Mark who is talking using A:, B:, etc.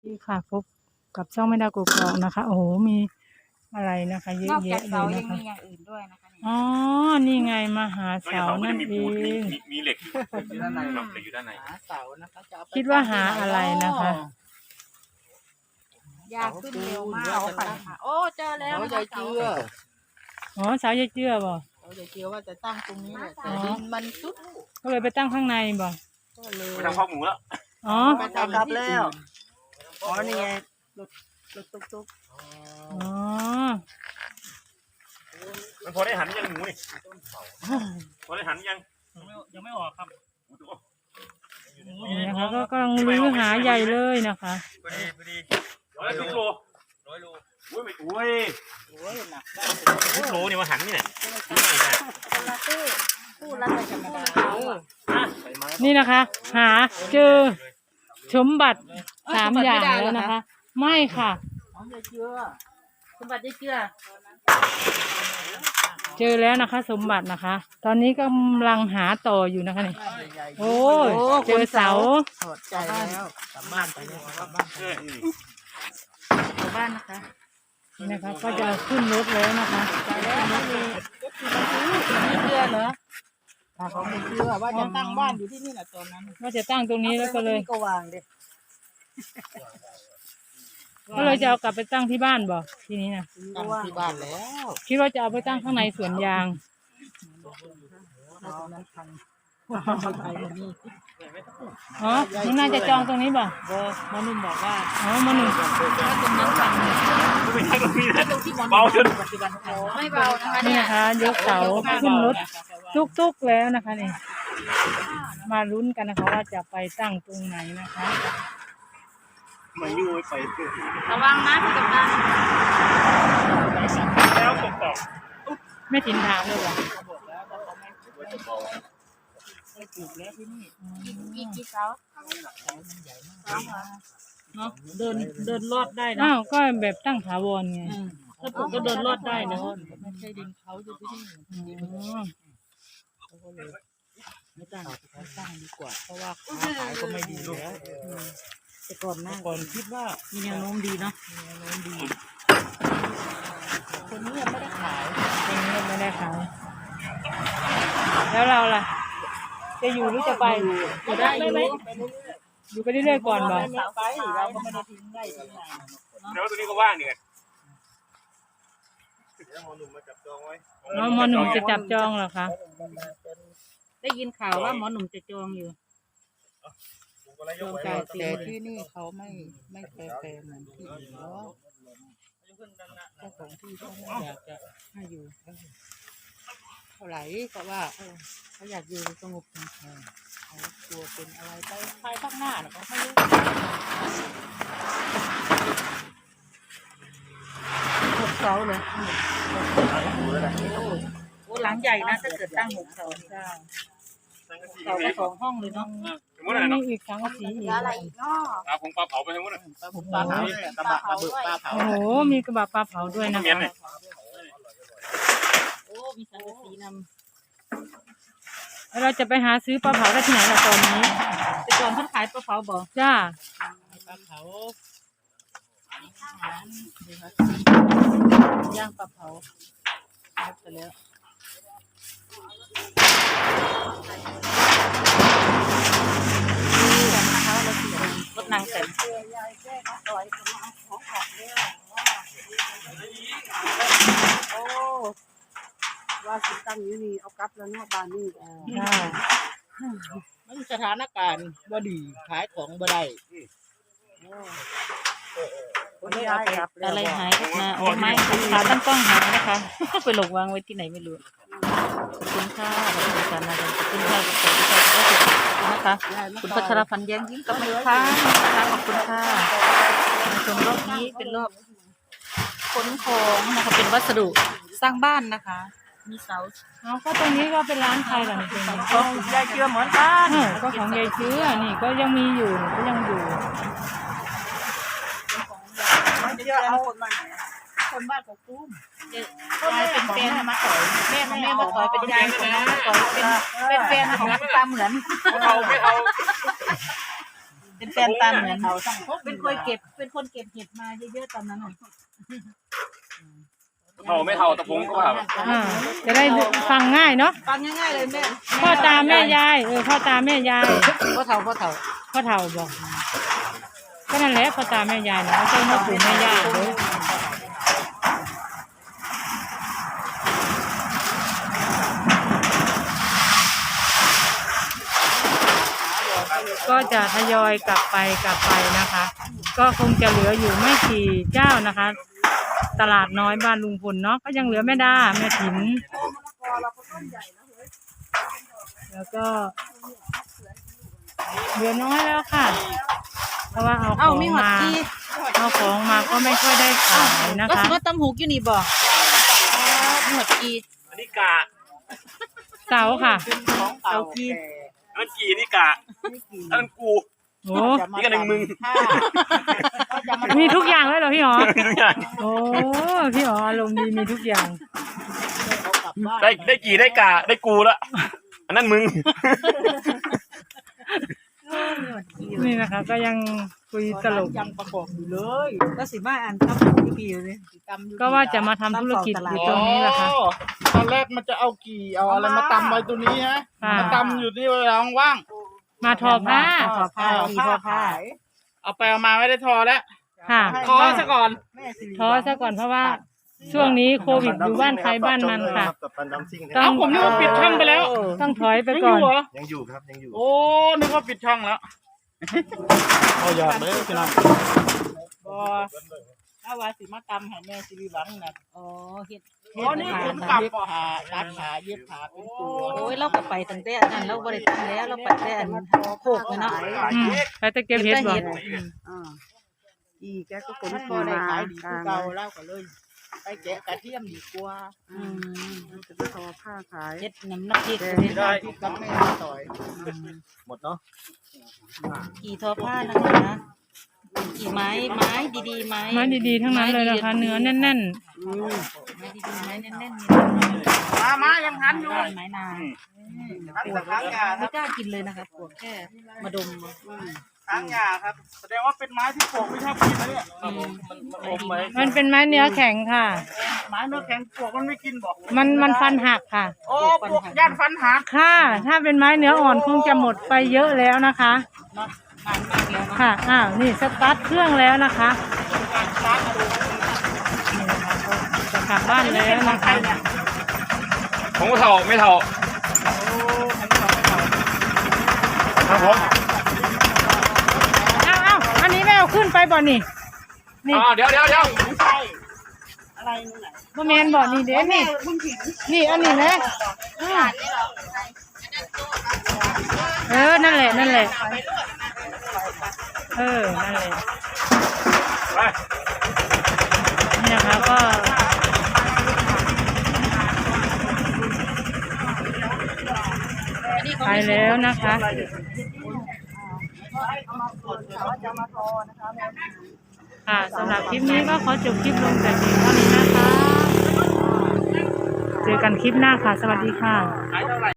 A: ดีค่ะพบกับช่องแม่ดาวกกอกนะคะโอ้โหมีอะไรนะคะเย
B: น
A: อะ
B: อกจาก
A: แยะเล
B: เสาย ยั
A: นะ
B: ง
A: คะ
B: มีอย่างอื่นด้วยนะคะนี่
A: อ๋อนี่ไงมาหา
C: ก็อ
A: เสา
C: ย่างเขาก็
A: นั่
C: จะ
A: น
C: มี
A: เอ
C: ปูน
A: ง
C: มีเหล็กอยู่
D: อยู่ด้านใน
C: ครับเหล็กอยู่ด้านใน
D: หาเสานะคะจะเอไป
A: คิดว่าหาอะไรนะคะ
B: ยากขึ้นเร็วมากค่ะโอ้เจอแล้ว
D: เขา
B: นะ
D: ใหญ่
B: คะ
D: เจือ
A: อ๋อเสายายเจื้อบ่
D: เขาใหญ่เจือว่าจะตั้งตรงนี้แหละแต่
A: อ๋อ
D: ดินมันซุด
A: ก็เลยไปตั้งข้างในบ่
D: ก็เลย
C: ไปทำข้าวหมูแล้ว
A: อ๋อ
D: ไปทำกลับแล้วอ๋อนี่ไงรถตุ๊ก
A: อ๋อ
C: มันพอได้หันยังหมูนี่พอได้หันยังไม่ออกครับ
A: นี่นะคะก็กำลังรื้อหาใหญ่เลยนะคะ
C: พอดี100 โลอุ้ยไม่อุ้ย
D: โอ้ยหนักได้
C: 10 โลนี่มาหันนี่ไหน
B: คนละตู้ละธรรมดา
A: นี่นะคะ หาเจอสมบัติ3 อย่างแล้วนะคะ ไม่ค่ะ
D: อ๋อใหญ่เจือ
B: สมบัติได้เชื่อ
A: เจอแล้วนะคะ สมบัตินะคะ ตอนนี้กำลังหาต่ออยู่นะคะนี่
D: ใหญ่
A: โอ้ยเจอเสา
D: ถอดใจแล้วกลับบ้านไปแล้วกลับบ้านไป
B: ชาวบ้านนะคะ
A: นี่นะคะก็จะขึ้นรถแล้วนะคะ
D: ใจแล้วไม่มีไม่เชื่อเหรอถ้าเขาไม่เชื่อว่าจะตั้งบ้านอยู่ที่นี่แหละตอนนั้น
A: ว่าจะตั้งตรงนี้แล้วก็เลย
D: ก็วางดิ
A: ก็เลยจะเอากลับไปตั้งที่บ้านบ่ทีนี้นะ
D: ตั้งที่บ้านแล้ว
A: คิดว่าจะเอาไปตั้งข้างในสวนยาง
D: ตอนนั้นพังไปนี่
A: อ๋อนี่น่าจะจองตรงนี้บ่
D: หมอนุ่มบอกว่า
A: อ๋อมาหนึ่ง
D: ถ้าตรงนั้นพังเนี่ย
C: ไม่ใช่ตรงนี้นะ
D: ที่หมอ
C: เบาจน
D: ปัจจุบันพัง
B: ไม่เบานะคะ
A: นี่
B: เนี่ย
A: นะคะยกเสาขึ้นรถตุกๆแล้วนะคะนี่มาลุ้นกันนะคะว่าจะไปตั้งตรงไหนนะคะ
C: มาอยู่ไป
B: ระวังนะพี่กำนัน
C: แล้วตกต่อ
A: ไม่ถินถามเลยบ่
D: ไม่ถูกแล้วที่นี่
B: กี่เสา
D: เนาะเดินลอดได้นะ
A: อ้าวก็แบบตั้งถาวรไง
D: ถ้าผมก็เดินลอดได้นะไม่ใช่ดินเขาอยู่ที่นี่
A: อ๋อ
D: ไม่ตั้งดีกว่า เพราะว่าค้าขายก็ไม่ดีแล้วแต่ก่อนคิดว่ามีแนวโน้มดีเนาะมีแนวโน้มดีคนนี้ยังไม่ได้ขาย
A: ตรงนี้ไม่ได้ขายแล้วเราล่ะ จะอยู่หรือจะไป
D: อยู่ได้อยู่
A: อยู่ไปเรื่อยๆก่อนบ่
D: ไม่ไปเราก็ไม่ได้ทิ้งได้ทิ้งไหน
C: แล้วตัวนี้ก็ว่างนี่ไง
A: อ๋อหมอหนุ่มจะจับจองเหรอคะ
D: ได้ยินข่าวว่าหมอหนุ่มจะจองอยู่จองจ่ายแต่ที่นี่เขาไม่แฟร์เหมือนที่อื่นแล้วเจ้าของที่เขาไม่อยากจะให้อยู่เท่าไหร่ก็ว่าเขาอยากอยู่สงบสงบเขากลัวเป็นอะไรไปภายภาคหน้าเขาไม่รู้6 เสาเลยโอ้หลังใหญ่นะถ้าเกิดตั้ง6 เสาเจ้าเสาก็2 ห้องเลยเนาะ
C: สมมติอะไร
A: มี
C: เนาะ
A: อีกสังกะสีอีก
B: อะไรอีกเนาะ
C: ปลาผงปลาเผาไปทั้งหมดเลย
D: ผมปลาเผาเนี่ยกระบะระเบิดปลาเผา
A: โอ้โหมีกระบะปลาเผาด้วยนะ
C: เมียน
A: คะ
C: เนี่ย
D: โอ้มีสังกะสีน
A: แล้วเราจะไปหาซื้อปลาเผาได้ที่ไหนล่ะตอนนี้
D: ำแต่ก่อนเพิ่นขายปลาเผาบ่
A: จ้า
D: ปลาเผาย่างปลาเผาไปแล้วรถนางเต็ม
E: โอ้ว่าสิตั้งอยู่นี่เอากลับแล้วเนาะบ้านนี่
A: จ้า
D: มันสถานการณ์บ่ดีขายของบ่ได้
E: คนย้ายกลับแล้ว
D: อะไรหายขึ้นมาโอ้ไม่ขาตั้งกล้องหายนะคะ ไปหลงวางไว้ที่ไหนไม่รู้ขอบคุณค่ะขอบคุณอาจารย์นะขอบคุณค่ะขอบคุณค่ะขอบคุณนะคะคุณพัชรพันธ์แย้มยิ้มกับแม่ค้านะคะขอบคุณค่ะในชมรอบนี้เป็นรอบขนของนะคะเป็นวัสดุสร้างบ้านนะคะ มีเสา
A: เอาก็ตรงนี้ก็เป็นร้านใครล่ะนี่เป็น
D: ของยายเจือเหมือนกัน
A: ก็ของยายเชื้อนี่ก็ยังมีอยู่ก็ยังอยู่
E: เดี๋ยวเอาคนมา
D: คนบ้านของกุ้มยายเป็นแฟนมาต่อยแม่ของแม่มาต่อยเป็นยายของมาต่อยเป็นแฟนของปลาเหมือน
C: ไม่เอา
D: เป็นแฟนตามเหมือนเป็นคนเก็บเห็ดมาเยอะๆตอนนั้นน่ะ
C: เท่าไม่เท่าตะพงก็แบบ
A: จะได้ฟังง่ายเนาะ
D: ฟังง่ายๆเลยแม่
A: พ่อตาแม่ยายพ่อตาแม่ยาย
D: พ่อเฒ่า
A: พ่อเฒ่าบอกก็นั่นแหละพ่อตาแม่ยายเนาะใช่พ่อปู่แม่ย่าเลยก็จะทยอยกลับไปนะคะ ก็คงจะเหลืออยู่ไม่กี่เจ้านะคะ ตลาดน้อยบ้านลุงพลเนาะก็ยังเหลือแม่ดาแม่ถิ่นแล้วก็เหลือน้อยแล้วค่ะ เพราะว่าเอาของมาก็ไม่ค่อยได้ขายนะ
D: ก็
A: คะ
D: คือว่าตำหูกอยู่นี่บ่หมดกี
C: อันนี้กะ
A: เสาค่ะ
D: เตากี
C: อันนั้นกี่นี่กะอันนั้นกู
A: โอ้
C: นี่ก็หนึ่งมึง
A: มีทุกอย่างเลยเหรอพี่หรอ
C: ทุกอย่าง
A: โอ้พี่หรออารมณ์ดีมีทุกอย่าง
C: ได้กี่ได้กะได้กูละอันนั้นมึง
A: นี่นะคะ ก็ยังคุยตลก
D: ยังประกอบอยู่เลยก็สิมาอ่านตำหูอยู่พี่เลย
A: ก็ว่าจะมาทำธุรกิจอยู่ตรงนี้แหละค่ะ
F: ตอนแรกมันจะเอากี่เอาอะไรมาตำไว้ตัวนี้ฮะ
A: ค่ะ
F: มาตำอยู่ที่เวลาว่าง
A: มาทอผ้า
D: ทอผ้ากี่ทอผ้า
F: ๆเอาไปเอามาไม่ได้ทอแล้ว
A: ค่ะ
F: ทอซะก่อน
A: ท้อซะก่อนเพราะว่าช่วงนี้โควิดอยู่บ้านใครบ้านมันค่ะ
G: กับตันดัมซิ่งนะ
A: ต้
F: เอาผมนึกว่าปิดช่องไปแล้ว
A: ต้องถอยไป
F: ยังอ
A: ก่อน
F: ยู่เหรอ
G: ยังอยู่ครับยังอยู่
F: โอ้นึกว่าปิดช่องแล้วเอาอยากเลยพี่น้อง
D: บ่ถ้าว่าสิมาตำให้แม่สิริหวังน่ะอ๋อเฮ็ด
F: อ๋อนี่ผมกลับ
D: เย็บ
F: บ่
D: ผ้าตัดผ้าเย็บผ้าเป็นตัวโอ้ยเราก็ไปตั้งแต่นั้นเราบ่ได้ทำแล้วเราไปแต่อันโคกเลยเนาะ
A: ไปตะเกียบเฮ็ดบ่
E: อีแกก็ขน
D: มัน
E: ขี่
D: บ่ได้
E: มา
D: ขายดี
E: ก
D: คือ
E: ลาง
D: เก่าเราก็เลย ไปแกะกระเทียมดีกว่า
E: มันจะทอผ้าขาย
D: เฮ็ดน้ำพริก
F: ได้กับแม่ต่อย
G: หมดเนาะ
D: กี่ทอผ้านะคะกี่ไม้ดีๆไม้
A: ไม้ดีๆทั้งนั้นเลยนะคะ เนื้อแน่น
D: ไม้ดีๆไม้แน่นๆ
F: มายังหันอยู่
D: ไม้นาง
F: หันสักครั้งยาค
D: ไม่
F: รับ
D: กล้ากินเลยนะคะปวดแค่มาดม
F: ครั้งยาครับ แสดงว่าเป็นไม้ที่ปลูกไม่ชอบกินนะเนี่ย
C: อมไว้
A: ๆมันเป็นไม้เนื้อแข็งค่ะ
F: ไม้เนื้อแข็งปลูกมันไม่กินบอก
A: มันฟันหักค่ะ
F: โอ้ปลูกย่านฟันหัก
A: ค่ะ ถ้าเป็นไม้เนื้ออ่อนคงจะหมดไปเยอะแล้วนะคะ
D: นานมากแล้วเนาะ
A: ค่ะ อ้าว นี่สตาร์ทเครื่องแล้วนะคะจะกลับบ้านแล้วนะคะ
C: ผมก็เท่าไม่เท่าครับผม
A: อ้าวอันนี้ไม่เอาขึ้นไปบ่นี่ นี่
C: เดี๋ยว
E: ไม่ใช่อะไรนู่นไหน
A: บ่แมนบ่นี่เด้นี่ นี่อันนี้นะนั่นแหละ นั่นแหละ นั่นแหละ
C: ไป
A: นี่นะคะก็ไปแล้วนะคะ ค่ะสำหรับคลิปนี้ก็ขอจบคลิปลงแต่เพียงเท่านี้นะคะ เจอกันคลิปหน้าค่ะ สวัสดีค่ะ